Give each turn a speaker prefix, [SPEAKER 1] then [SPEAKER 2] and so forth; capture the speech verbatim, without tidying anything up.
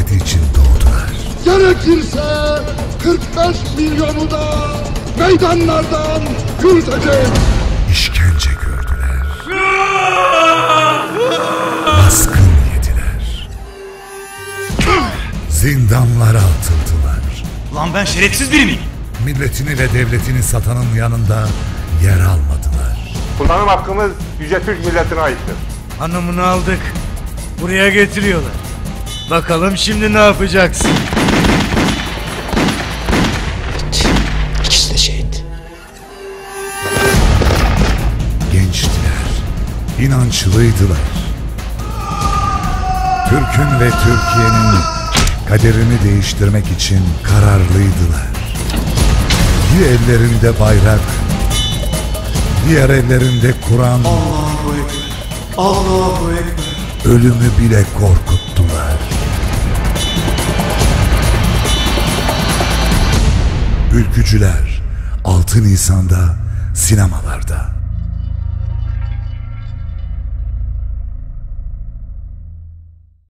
[SPEAKER 1] devleti için doğdular.
[SPEAKER 2] Gerekirse kırk beş milyonu da meydanlardan yürüteceğiz.
[SPEAKER 1] İşkence gördüler. Baskın yediler. Zindanlara atıldılar.
[SPEAKER 3] Lan ben şerefsiz biri miyim?
[SPEAKER 1] Milletini ve devletini satanın yanında yer almadılar.
[SPEAKER 4] Kullanım hakkımız Yüce Türk milletine aittir.
[SPEAKER 5] Hanımını aldık. Buraya getiriyorlar. Bakalım şimdi ne yapacaksın?
[SPEAKER 6] İkisi de şehit.
[SPEAKER 1] Gençtiler, inançlıydılar. Türk'ün ve Türkiye'nin kaderini değiştirmek için kararlıydılar. Bir ellerinde bayrak, diğer ellerinde Kur'an.
[SPEAKER 6] Allahu Ekber. Allahu Ekber.
[SPEAKER 1] Ölümü bile korkuttular. Ülkücüler altı Nisan'da sinemalarda.